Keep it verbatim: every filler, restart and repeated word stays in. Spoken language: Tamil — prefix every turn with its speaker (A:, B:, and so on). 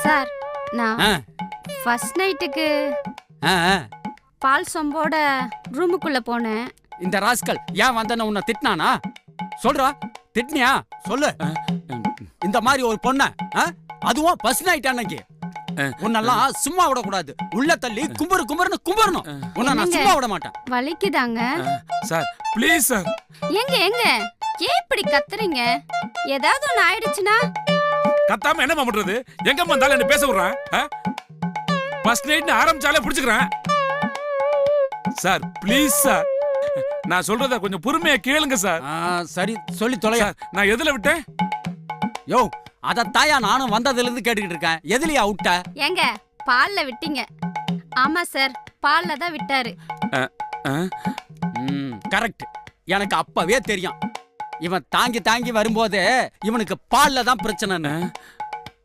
A: சார் நான் ஃபர்ஸ்ட் நைட்டுக்கு பால் சொம்போட ரூமுக்குள்ள போனேன்.
B: இந்த ராஸ்கல் ஏன் வந்தன உன்னை திட்டினானா? சொல்றா, திட்டினியா சொல்லு. இந்த மாதிரி ஒரு பொண்ண, அதுவும் ஃபர்ஸ்ட் நைட் அன்னைக்கு உன்னெல்லாம் சும்மா விட கூடாது. உள்ள தள்ளி கும்பரு கும்பருன்னு கும்பரணும். உன்னை நான் சும்மா விட மாட்டேன்.
A: வலிக்குதாங்க
C: சார்? Please sir.
A: எங்க எங்க ஏன் இப்படி கத்துறீங்க? ஏதாவது ஒண்ணு ஆயிடுச்சுன்னா
C: கத்தாம என்ன பண்றது? எங்க வந்தாலும் என்ன பேச விடுறான்? ஃபர்ஸ்ட் நைட் ஆரம்பிச்சாலே புடிச்சுக்கிறேன். சார் ப்ளீஸ் சார், நான் சொல்றத கொஞ்சம் பொறுமையா கேளுங்க சார்.
B: சரி சொல்லி தொலையா.
C: நான் எதுல விட்டேன்?
B: யோ, அத தாயா நானும் வந்ததுல இருந்து கேட்டுக்கிட்டு இருக்கேன். எதுலயா விட்ட?
A: எங்க பால்ல விட்டீங்க. ஆமா சார், பால்ல தான் விட்டாரு.
B: கரெக்ட். எனக்கு அப்பவே தெரியும். இவன் தாங்கி தாங்கி வரும்போது இவனுக்கு பால்ல தான் பிரச்சனைன்னு.